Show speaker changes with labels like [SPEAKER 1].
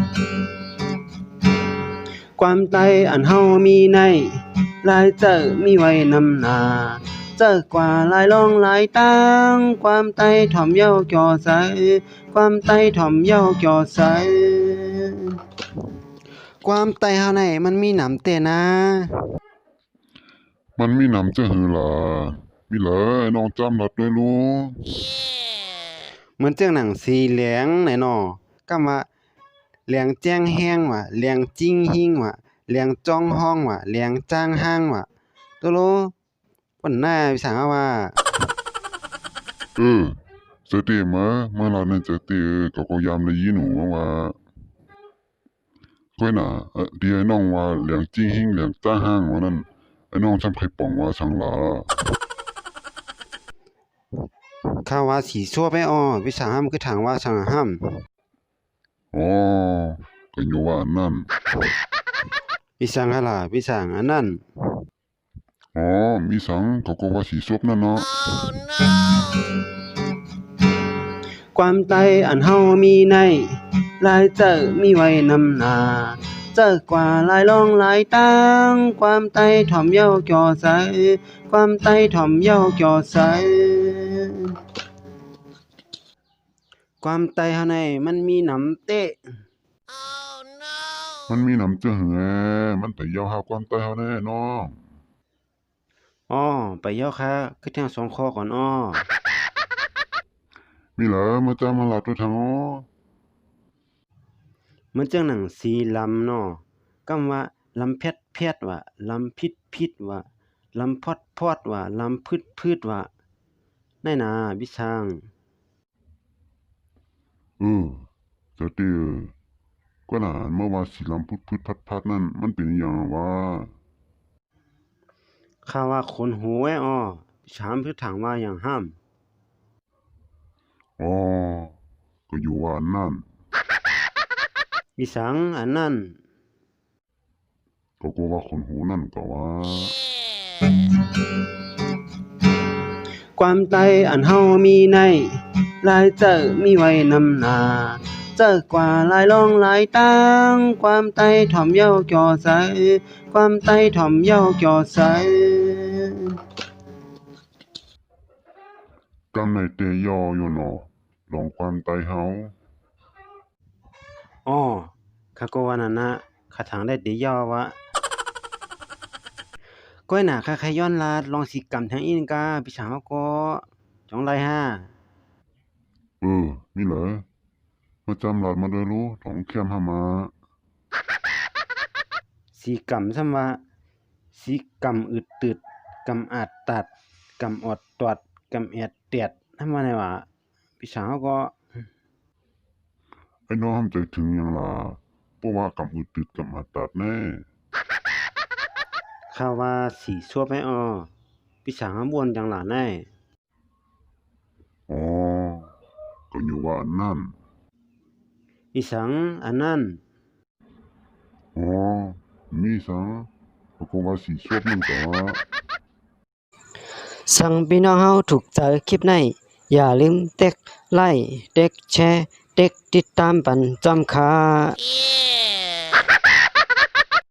[SPEAKER 1] ความใต้อันเฮามีในหลายเจอมีไว้นำหน้าเจอกว่าหลายลองหลายตังความใต้ถ่อมเย้าจ่อใสความใต้ถ่อมเย้าจ่อใสความใต้เฮาในมันมีหนำเตนะ
[SPEAKER 2] มันมีหนำจะหือล่ะมีเหรอไอ้น้องจำรัดด้วยรู้
[SPEAKER 1] เหมือนเจ้าหนังสีเหลืองไหนน้อกำว่าเหลียงแจ้งแห้งว่ะเหลียงจิ้งหิ้งว่ะเหลียงจ้องห้องว่ะเหลียงจ้างห้างว่ะตัวโลปันหน้าพี่สาวว่า
[SPEAKER 2] เสตีมาเมื่อเราเนี่ยเสตีก็ยามเลยยีหนูว่าค่อยน่ะดีไอ้น้องว่าเหลียงจิ้งหิ้งเหลียงจ้าห้างว่านั่นไอ้น้องจำใครป่องว่าสังหลา
[SPEAKER 1] ข้าว่าสีซั่วไปอ้อพี่สาวห้ามคือถางว่าสังห้าม
[SPEAKER 2] อ๋อก็อยู่ว่านั่น
[SPEAKER 1] พี่สังหล่ะพี่สังอันนั้น
[SPEAKER 2] อ๋อมีสังก็ว่าสีซบนั่นเนาะ
[SPEAKER 1] ความใต้อันเฮามีในหลายเจอมีไว้นำหน้าเจอกว่าหลายลองหลายตังความใต้ถ่อมเย้าจ่อใสความใต้ถ่อมเย้าจ่อใสความใต้เฮาในมันมีหนำเตะ
[SPEAKER 2] มันมีหนำจะหือมันไปยาวหาความใต้เฮาแน่น้อง
[SPEAKER 1] อ้อไปเย้าค่ะคือทางสองคอก่อนอ้อ
[SPEAKER 2] มีเหรอมาจำมาหลัดด้วยทางอ๋อ
[SPEAKER 1] มันจังหนังสีลำเนาะกำว่าลำแพดว่ะลำพิดว่ะลำพอดว่ะลำพืดว่ะได้นะพี่ช้าง
[SPEAKER 2] เออเสตีก็น่ะเมื่อว่าสีลำพุดพัดนั่นมันเป็นอย่างว่า
[SPEAKER 1] ข้าว่าคนหูไว้อ้อพี่ช้างคือถางว่าอย่างห้าม
[SPEAKER 2] อ๋อก็อยู่ว่านั่น
[SPEAKER 1] พี่สังอันนั้น
[SPEAKER 2] ก็ว่าคนหูนั่นก็ว่า
[SPEAKER 1] ความใต้อันเฮามีในหลายเจอมีไว้นำหน้าเจอกว่าหลายลองหลายตังความใต้ถ่อมเย้าจ่อใสความใต้ถ่อมเย้าจ่อใส
[SPEAKER 2] กำในเตยออยู่เนาะลองความไตเฮา
[SPEAKER 1] อ้อข้าก็ว่านั่นนะข้าถางได้ดีย่อวะก้อยหน้าข้าใครย้อนลาดลองสิกรรมทางอินกาพี่สาวก็จองไรห้า
[SPEAKER 2] มีเหรอมาจำหลัดมาด้วยรู้ท้องเข้มหามา
[SPEAKER 1] สีกรรมซ้ำว่าสีกรรมอึดตึดกรรมอาจตัดกรรมอดตอดกรรมแอดเตียดทำว่าไงวะพี่สาวก็
[SPEAKER 2] ไอ้น้องทำใจถึงอย่างล่ะเพราะว่ากำอึดติดกำอัดตัดแน่
[SPEAKER 1] ข้าว่าสีชั่วไปอ้อพี่สาวบวนจังหลาแน่
[SPEAKER 2] อ๋อก็อยู่ว่านั่น
[SPEAKER 1] อีสังอันนั้น
[SPEAKER 2] อ๋อมีสังก็ว่าสีสวบนั่นก็ว่า
[SPEAKER 1] สั่งพี่น้องเฮาถูกใจคลิปนี้อย่าลืมเต็กไลค์เต็กแชร์เต็กติดตามปันจำค่ะ